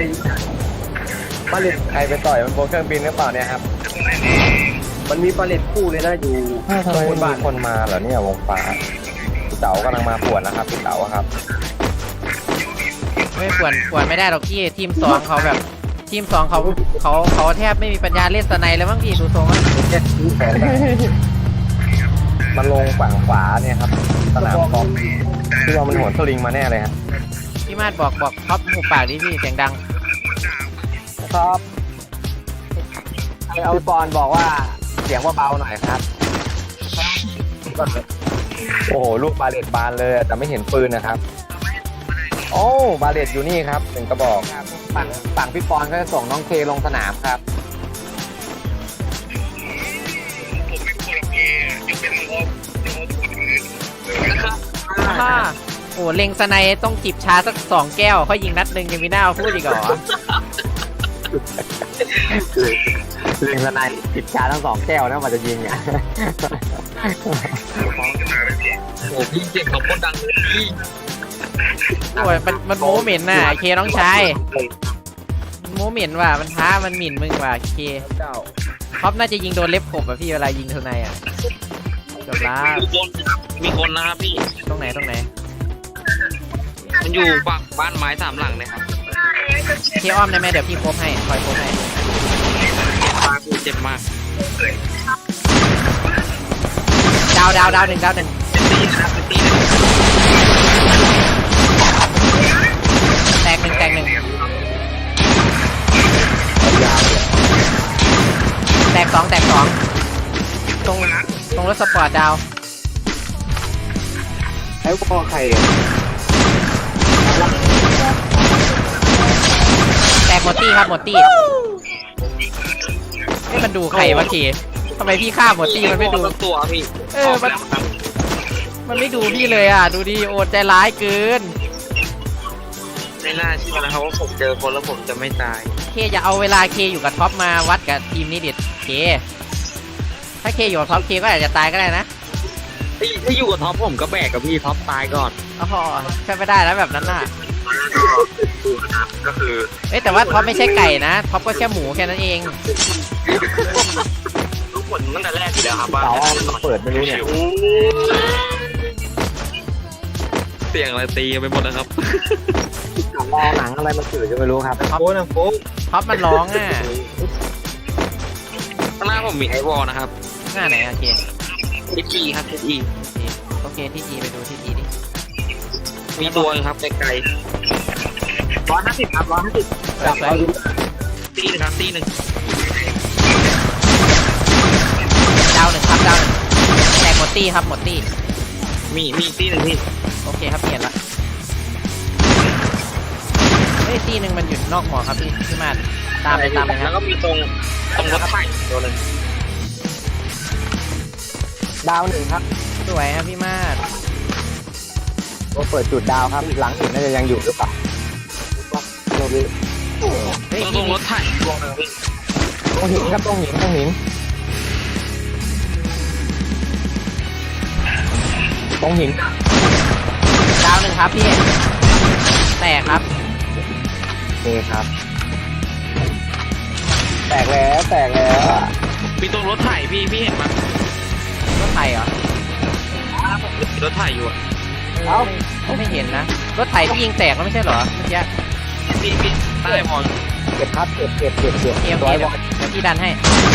ปลาเล็ดใครไปต่อยมันบนเครื่องบินหรือเปล่าเนี่ยครับมันมีปลาเล็ดคู่เลยนะอยู่ทำไมมีคนมาเหรอเนี่ยวงฟ้าพี่เต๋ากำลังมาปวดนะครับพี่เต๋าครับไม่ปวดไม่ได้หรอกพี่ทีมสองเขาแบบทีมสองเขาแทบไม่มีปัญญาเล่นสไนเลยมั้งพี่ดูทรงแล้วมันลงฝั่งขวาเนี่ยครับสนามกอล์ฟที่ว่ามันหัวสลิงมาแน่เลยครับพี่มาดบอกท็อปหูปากดิพี่เสียงดังครับเอาปอนบอกว่าเสียงว่าเบาหน่อยครับโอ้โหลูกบาเลตบานเลยแต่ไม่เห็นปืนนะครับโอ้บาเลตอยู่นี่ครับ1กระบอกฝั่งพี่ปอนก็จะส่งน้องเคลงสนามครับโอ้เล็งสไนต้องจิบชาสัก2 แก้วเขายิงนัดหนึ่งยังมีหน้าพูดอีกเหรอเล็งสไนจิบชาทั้ง2 แก้วนะมันจะยิงอ่ะโอ้พี่เสียงเขาโคตรดังเลยพี่โอ้ยมันโมเหม็นน่ะเคน้องชายโมเหม็นว่ะมันท้ามันหมิ่นมึงว่ะเคท็อปน่าจะยิงโดนเล็บขบอ่ะพี่เวลายิงสไนอ่ะจบละมีคนนะครับพี่ตรงไหนมันอยู่ฝั่งบ้านไม้3 หลังเลยครับเคอ้อมได้ไหมเดี๋ยวพี่โคบให้คอยโคบให้เจ็บมากดาว1แตกหนึ่งแตกสองตรงรถสปอร์ตดาวไอ้พวกใครแตกหมดตี้ครับหมดตี้ให้มันดูใครวะทีทำไมพี่ฆ่าหมดตี้มันไม่ดูตัวพี่มันไม่ดูพี่เลยอ่ะดูดิโอดใจร้ายเกินไม่น่าเชื่อนะครับว่าผมเจอคนแล้วผมจะไม่ตายเคอย่าเอาเวลาเคอยู่กับท็อปมาวัดกับทีมนี้ดิเคถ้าเคอยู่กับท็อปเคก็อาจจะตายก็ได้นะถ้าอยู่กับท็อปผมก็แบกกับพี่ท็อปตายก่อนอ๋อใช่ไม่ได้แล้วแบบนั้นน่ะก็คือแต่ว่าท็อปไม่ใช่ไก่นะท็อปก็แค่หมูแค่นั้นเองทุกคนตั้งแต่แรกอยู่แล้วครับว่าเปิดไม่รู้เนี่ยเสียงอะไรตีไปหมดนะครับมองหนังอะไรมันตื่นจะไม่รู้ครับท็อปมันร้องอ่ะข้างหน้าผมมีไอวอลนะครับหน้าไหนโอเคที่จีครับที่จีโอเคที่จีไปดูที่จีดิมีตัวครับไกล 150ครับ150 จับไปตี1ครับตี1 ดาว1ครับดาว1แตกหมดตี้ครับหมดตี้มีตี1พี่โอเคครับเปลี่ยนละตี1มันอยู่นอกหมอครับพี่มาตามเลยครับแล้วก็มีตรงรถไฟตัวนึงดาว1ครับสวยครับพี่มาดก็เปิดจุดดาวครับหลังอื่นน่าจะยังอยู่หรือเปล่าตรงรถไถตัวนึงพี่ตรงหินครับตรงหินดาว1ครับพี่แตกครับนี่ครับแตกแล้วมีตรงรถไถพี่เห็นมั้ยรถไถเหรอรถไถอยู่อ่ะไม่เห็นนะรถไถที่ยิงแตกแล้วไม่ใช่เหรอเมื่อกี้พี่ใต้มองเก็บครับเก็บเดี๋ยวพี่ดันให้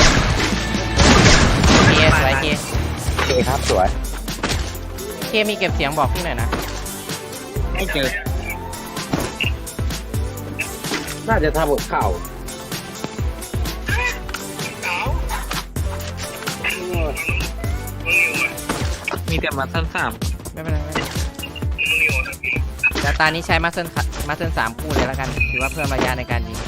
เคสวยเคครับสวยเคมีเก็บเสียงบอกพี่หน่อยนะไม่เจอน่าจะทำกับข่าวมีแต่มาสั้น3 ไม่เป็นไรแต่ตานี้ใช้มาเซน3คู่เลยแล้วกันถือว่าเพิ่มระยะในการยิง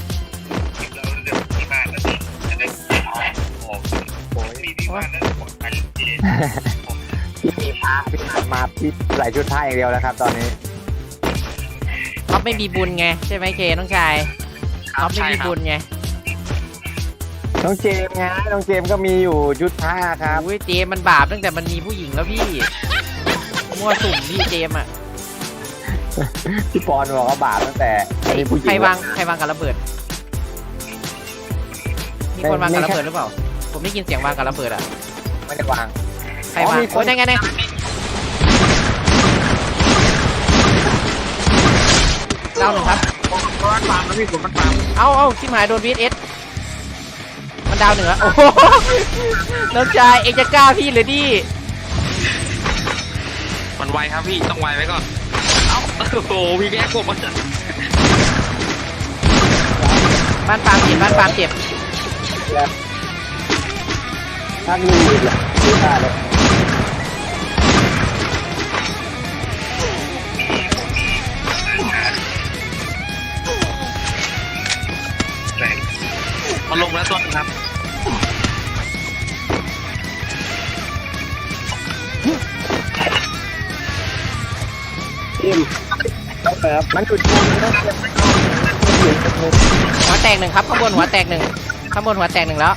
พี่มีพาพี่มาพี่ใส่ชุดผ้าอย่างเดียวแล้วครับตอนนี้เขาไม่มีบุญไงใช่ไหมเคน้องชายเขาไม่มีบุญไงน้องเจมไงน้องเจมก็มีอยู่ชุดผ้าครับอุ้ยเจมมันบาปตั้งแต่มันมีผู้หญิงแล้วพี่มั่วสุ่มพี่เจมอ่ะพี่ปอนบอกว่าบาปตั้งแต่มีผู้หญิงใครวางกับระเบิดมีคนวางกับระเบิดหรือเปล่าผมได้ยินเสียงวางกับระเบิดอ่ะไม่ได้วางใครวางโอ้ยไงดาวหนึ่งครับมันปามนะพี่ผมมันปามเอาชิมหายโดน VSS มันดาวหนึ่งอะโอ้โหน้องชายเองจะกล้าพี่หรือดิมันไวครับพี่ต้องไวไว้ก่อนเอ้าโอ้โหพี่แกกบมันบ้านฟาร์มเจ็บถ้ามีอีกเหรอดูได้เลยมันลงแล้วตัวนึงครับทีมครับมันจุดทีมต้องเก็บหัวแตกหนึ่งครับข้างบนหัวแตกหนึ่งแล้ว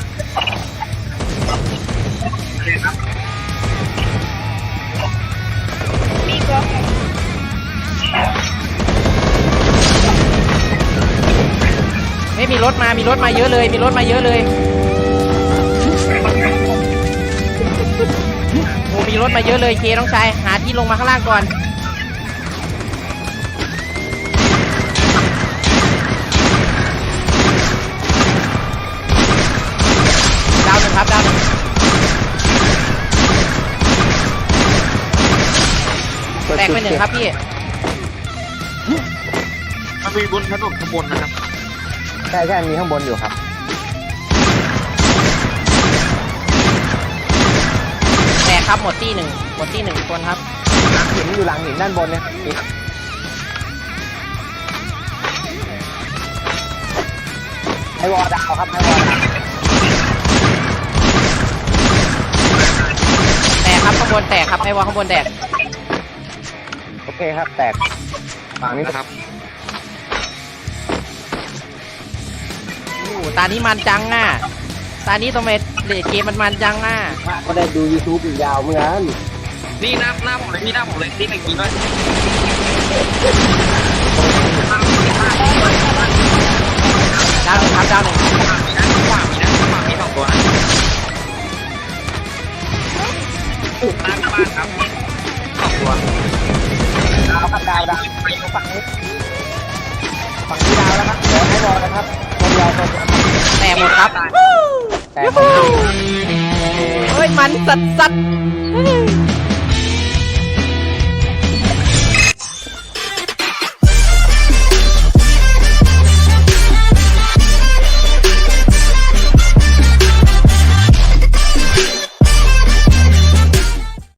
ไม่มีรถมาเยอะเลยโอ้มีรถมาเยอะเลยเคน้องชายหาที่ลงมาข้างล่างก่อนดาวหนึ่งครับดาวหนึ่งแตกไปหนึ่งครับพี่มันมีบนถนนข้างบนนะครับใช่มีข้างบนอยู่ครับแตกครับหมดที่หนึ่งคนครับหินอยู่หลังหินด้านบนเนี่ยไอวอดาวครับไอวอดาวแตกครับข้างบนแตกครับไอ้วอลข้างบนแตกโอเคครับแตกฝั่งนี้นะครับโอ้ตานี้มันจังอ่ะตานี้ตัวเมทเลดเกมมันจังอ่ะก็ได้ดู YouTube อีกยาวเหมือนกันนี่หน้าผมเลยพี่หน้าผมเลยที่หนึ่งกินด้วยดาวหนึ่งครับดาวหนึ่งขวามีสองตัวนะหน้าบ้านครับสองตัวดาวครับดาวฝั่งนี้ดาวแล้วครับเดี๋ยวให้รอนะครับคนเดียวแตกหมดครับแต่เฮ้ยมันสัด